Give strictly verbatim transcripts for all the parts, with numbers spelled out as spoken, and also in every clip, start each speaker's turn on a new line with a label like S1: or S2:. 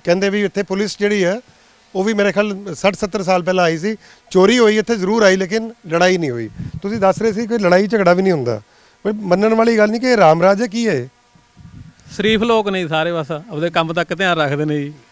S1: ਕਹਿੰਦੇ ਵੀ ਇੱਥੇ ਪੁਲਿਸ ਜਿਹੜੀ ਹੈ ਉਹ ਵੀ ਮੇਰੇ ਖਿਆਲ ਸੱਠ ਸੱਤਰ ਸਾਲ ਪਹਿਲਾਂ ਆਈ ਸੀ। ਚੋਰੀ ਹੋਈ ਇੱਥੇ ਜ਼ਰੂਰ ਆਈ, ਲੇਕਿਨ ਲੜਾਈ ਨਹੀਂ ਹੋਈ। ਤੁਸੀਂ ਦੱਸ ਰਹੇ ਸੀ ਕੋਈ ਲੜਾਈ ਝਗੜਾ ਵੀ ਨਹੀਂ ਹੁੰਦਾ। ਕੋਈ ਮੰਨਣ ਵਾਲੀ ਗੱਲ ਨਹੀਂ ਕਿ ਇਹ ਰਾਮ ਰਾਜ ਹੈ, ਕੀ ਹੈ?
S2: ਸ਼ਰੀਫ ਲੋਕ ਨੇ ਸਾਰੇ, ਬਸ ਆਪਦੇ ਕੰਮ ਤੱਕ ਧਿਆਨ ਰੱਖਦੇ ਨੇ ਜੀ।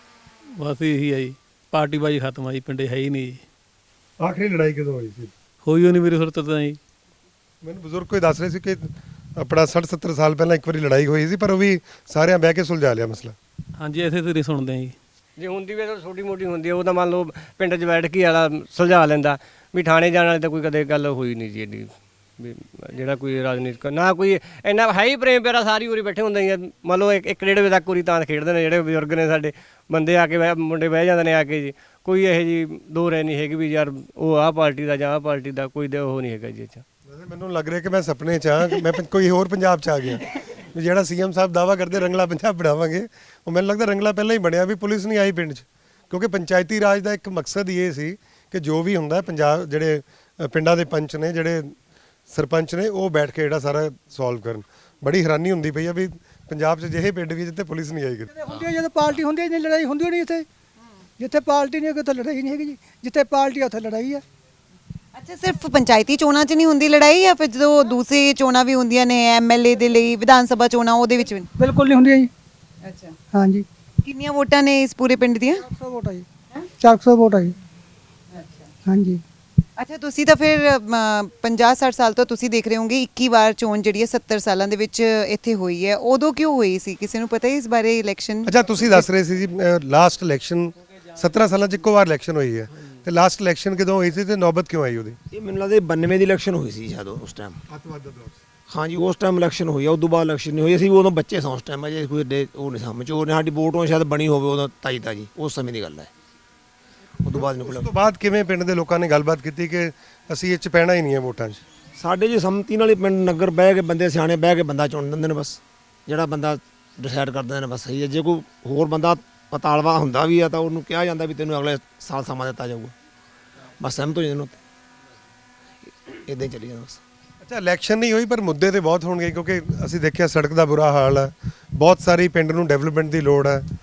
S2: ਬਸ ਇਹੀ ਹੈ ਜੀ, ਪਾਰਟੀਬਾਜ਼ੀ ਖਤਮ ਆ ਜੀ, ਪਿੰਡੇ ਹੈ ਹੀ ਨਹੀਂ ਜੀ।
S1: ਆਖਰੀ ਲੜਾਈ ਕਦੋਂ ਹੋਈ ਸੀ?
S2: ਹੋਈ ਉਹ ਨਹੀਂ ਮੇਰੀ ਸੁਰਤ ਤਾਂ ਜੀ।
S1: ਮੈਨੂੰ ਬਜ਼ੁਰਗ ਕੋਈ ਦੱਸ ਰਹੇ ਸੀ ਕਿ ਆਪਣਾ ਸੱਠ ਸੱਤਰ ਸਾਲ ਪਹਿਲਾਂ ਇੱਕ ਵਾਰੀ ਲੜਾਈ ਹੋਈ ਸੀ, ਪਰ ਉਹ ਵੀ ਸਾਰਿਆਂ ਬਹਿ ਕੇ ਸੁਲਝਾ ਲਿਆ ਮਸਲਾ।
S2: ਹਾਂਜੀ, ਇਸੇ ਤੇ ਸੁਣਦੇ ਜੀ।
S3: ਜੇ ਹੁੰਦੀ ਵੀ ਤਾਂ ਛੋਟੀ ਮੋਟੀ ਹੁੰਦੀ ਹੈ, ਉਹ ਤਾਂ ਮੰਨ ਲਓ ਪਿੰਡ 'ਚ ਬੈਠ ਕੇ ਵਾਲਾ ਸੁਲਝਾ ਲੈਂਦਾ। ਵੀ ਥਾਣੇ ਜਾਣ ਵਾਲੀ ਤਾਂ ਕੋਈ ਕਦੇ ਗੱਲ ਹੋਈ ਨਹੀਂ ਜੀ ਐਡੀ। ਵੀ ਜਿਹੜਾ ਕੋਈ ਰਾਜਨੀਤਿਕ ਨਾ ਕੋਈ ਇੰਨਾ ਹੈ ਹੀ ਪ੍ਰੇਮ ਪਿਆਰਾ, ਸਾਰੀ ਉਰੀ ਬੈਠੇ ਹੁੰਦੇ ਹੀ। ਮੰਨ ਲਓ ਇੱਕ ਇੱਕ ਡੇਢ ਵਜੇ ਤੱਕ ਉਰੀ ਤਾਂ ਖੇਡਦੇ ਨੇ ਜਿਹੜੇ ਬਜ਼ੁਰਗ ਨੇ ਸਾਡੇ। ਬੰਦੇ ਆ ਕੇ ਬਹਿ ਮੁੰਡੇ ਬਹਿ ਜਾਂਦੇ ਨੇ ਆ ਕੇ ਜੀ। ਕੋਈ ਇਹੋ ਜਿਹੀ ਦੋ ਰਾਏ ਨਹੀਂ ਹੈਗੀ ਵੀ ਯਾਰ ਉਹ ਆਹ ਪਾਰਟੀ ਦਾ ਜਾਂ ਆਹ ਪਾਰਟੀ ਦਾ, ਕੋਈ ਦੇ ਉਹ ਨਹੀਂ ਹੈਗਾ ਜੀ। ਅੱਛਾ,
S1: ਵੈਸੇ ਮੈਨੂੰ ਲੱਗ ਰਿਹਾ ਕਿ ਮੈਂ ਸੁਪਨੇ 'ਚ ਹਾਂ, ਮੈਂ ਕੋਈ ਹੋਰ ਪੰਜਾਬ 'ਚ ਆ ਗਿਆ। ਵੀ ਜਿਹੜਾ ਸੀਐਮ ਸਾਹਿਬ ਦਾਵਾ ਕਰਦੇ ਰੰਗਲਾ ਪੰਜਾਬ ਬਣਾਵਾਂਗੇ, ਉਹ ਮੈਨੂੰ ਲੱਗਦਾ ਰੰਗਲਾ ਪਹਿਲਾਂ ਹੀ ਬਣਿਆ ਵੀ ਪੁਲਿਸ ਨਹੀਂ ਆਈ ਪਿੰਡ 'ਚ। ਕਿਉਂਕਿ ਪੰਚਾਇਤੀ ਰਾਜ ਦਾ ਇੱਕ ਮਕਸਦ ਹੀ ਇਹ ਸੀ ਕਿ ਜੋ ਵੀ ਹੁੰਦਾ ਪੰਜਾਬ, ਜਿਹੜੇ ਪਿੰਡਾਂ ਦੇ ਪੰਚ ਨੇ, ਜਿਹੜੇ ਸਰਪੰਚ ਨੇ, ਉਹ ਬੈਠ ਕੇ ਜਿਹੜਾ ਸਾਰਾ ਸੋਲਵ ਕਰਨ। ਬੜੀ ਹੈਰਾਨੀ ਹੁੰਦੀ ਪਈ ਆ ਵੀ ਪੰਜਾਬ 'ਚ ਜਿਹੇ ਪਿੰਡ ਵੀ ਜਿੱਥੇ ਪੁਲਿਸ ਨਹੀਂ ਆਈ ਕਦੇ।
S4: ਹੁੰਦੀ ਹੈ ਜਦੋਂ ਪਾਰਟੀ ਹੁੰਦੀ ਹੈ ਨਹੀਂ ਲੜਾਈ ਹੁੰਦੀ ਨਹੀਂ ਇੱਥੇ। ਜਿੱਥੇ ਪਾਰਟੀ ਨਹੀਂ ਉੱਥੇ ਲੜਾਈ ਨਹੀਂ ਹੈਗੀ ਜੀ। ਜਿੱਥੇ ਪਾਰਟੀ ਆ ਉੱਥੇ ਲੜਾਈ ਹੈ।
S5: ਅੱਛਾ, ਸਿਰਫ ਪੰਚਾਇਤੀ ਚੋਣਾਂ 'ਚ ਨਹੀਂ ਹੁੰਦੀ ਲੜਾਈ, ਜਾਂ ਫਿਰ ਜਦੋਂ ਦੂਸਰੀ ਚੋਣਾਂ ਵੀ ਹੁੰਦੀਆਂ ਨੇ ਐਮਐਲਏ ਦੇ ਲਈ, ਵਿਧਾਨ ਸਭਾ ਚੋਣਾਂ, ਉਹਦੇ ਵਿੱਚ ਵੀ?
S4: ਬਿਲਕੁਲ ਨਹੀਂ ਹੁੰਦੀਆਂ ਜੀ।
S5: ਅੱਛਾ,
S4: ਹਾਂਜੀ।
S5: ਕਿੰਨੀਆਂ ਵੋਟਾਂ ਨੇ ਇਸ ਪੂਰੇ ਪਿੰਡ ਦੀਆਂ?
S4: ਚਾਰ ਸੌ ਵੋਟ ਆ ਜੀ। ਚਾਰ ਸੌ ਵੋਟ ਆ ਜੀ।
S5: ਅੱਛਾ
S4: ਹਾਂਜੀ।
S5: ਅੱਛਾ, ਤੁਸੀਂ ਤਾਂ ਫਿਰ ਪੰਜਾਹ ਸੱਠ ਸਾਲ ਤੋਂ ਤੁਸੀਂ ਦੇਖ ਰਹੇ ਹੋਗੇ। ਇੱਕੀ ਵਾਰ ਚੋਣ ਜਿਹੜੀ ਹੈ ਸੱਤਰ ਸਾਲਾਂ ਦੇ ਵਿੱਚ ਇੱਥੇ ਹੋਈ ਹੈ। ਉਦੋਂ ਕਿਉਂ ਹੋਈ ਸੀ, ਕਿਸੇ ਨੂੰ ਪਤਾ ਹੈ ਇਸ ਬਾਰੇ? ਇਲੈਕਸ਼ਨ,
S1: ਅੱਛਾ, ਤੁਸੀਂ ਦੱਸ ਰਹੇ ਸੀ ਜੀ ਲਾਸਟ ਇਲੈਕਸ਼ਨ ਸੱਤਰਾਂ ਸਾਲਾਂ 'ਚ ਇੱਕੋ ਵਾਰ ਇਲੈਕਸ਼ਨ ਹੋਈ ਹੈ, ਤੇ ਲਾਸਟ ਇਲੈਕਸ਼ਨ ਕਦੋਂ ਹੋਈ ਸੀ ਤੇ ਨੌਬਤ ਕਿਉਂ ਆਈ ਉਹਦੀ?
S6: ਇਹ ਮੈਨੂੰ ਲੱਗਦਾ ਬਾਨਵੇਂ ਦੀ ਇਲੈਕਸ਼ਨ ਹੋਈ ਸੀ ਜਦੋਂ, ਉਸ ਟਾਈਮ
S1: ਅੱਤਵਾਦ ਦਾ ਦੌਰ।
S6: ਹਾਂਜੀ, ਉਸ ਟਾਈਮ ਇਲੈਕਸ਼ਨ ਹੋਈ ਆ। ਉਦੋਂ ਬਾਅਦ ਇਲੈਕਸ਼ਨ ਨਹੀਂ ਹੋਈ। ਅਸੀਂ ਉਦੋਂ ਬੱਚੇ ਸਾਂ ਉਸ ਟਾਈਮ, ਅਜੇ ਕੋਈ ਏਡੇ ਉਹ ਨਹੀਂ ਸਮਝ ਉਹ ਸਾਡੀ ਵੋਟੋਂ ਸ਼ਾਇਦ ਬਣੀ ਹੋਵੇ ਉਦੋਂ ਤਾਈ ਤਾਜੀ, ਉਸ ਸਮੇਂ ਦੀ ਗੱਲ ਹੈ। ਉਦੋਂ ਬਾਅਦ
S1: ਉਸ
S6: ਨਿਕਲ
S1: ਤੋਂ ਬਾਅਦ ਕਿਵੇਂ ਪਿੰਡ ਦੇ ਲੋਕਾਂ ਨੇ ਗੱਲਬਾਤ ਕੀਤੀ ਕਿ ਅਸੀਂ ਇਹ 'ਚ ਪੈਣਾ ਹੀ ਨਹੀਂ ਹੈ ਵੋਟਾਂ 'ਚ?
S6: ਸਾਡੇ ਜੀ ਸੰਮਤੀ ਨਾਲ ਹੀ ਪਿੰਡ ਨਗਰ ਬਹਿ ਕੇ ਬੰਦੇ ਸਿਆਣੇ ਬਹਿ ਕੇ ਬੰਦਾ ਚੁਣ ਦਿੰਦੇ ਨੇ। ਬਸ ਜਿਹੜਾ ਬੰਦਾ ਡਿਸਾਈਡ ਕਰ ਦਿੰਦੇ ਨੇ ਬਸ ਸਹੀ ਹੈ। ਜੇ ਕੋਈ ਹੋਰ ਬੰਦਾ ਪਤਾਲਵਾ ਹੁੰਦਾ ਵੀ ਆ ਤਾਂ ਉਹਨੂੰ ਕਿਹਾ ਜਾਂਦਾ ਵੀ ਤੈਨੂੰ ਅਗਲੇ ਸਾਲ ਸਮਾਂ ਦਿੱਤਾ ਜਾਊਗਾ। ਬਸ ਸਹਿਮਤ ਹੋ ਜਾਂਦੇ ਨੇ, ਇੱਦਾਂ ਹੀ ਚੱਲੀ ਜਾਂਦਾ ਬਸ।
S1: ਅੱਛਾ, ਇਲੈਕਸ਼ਨ ਨਹੀਂ ਹੋਈ ਪਰ ਮੁੱਦੇ ਤੇ ਬਹੁਤ ਹੋਣਗੇ, ਕਿਉਂਕਿ ਅਸੀਂ ਦੇਖਿਆ ਸੜਕ ਦਾ ਬੁਰਾ ਹਾਲ ਹੈ, ਬਹੁਤ ਸਾਰੀ ਪਿੰਡ ਨੂੰ ਡਿਵੈਲਪਮੈਂਟ ਦੀ ਲੋੜ ਹੈ।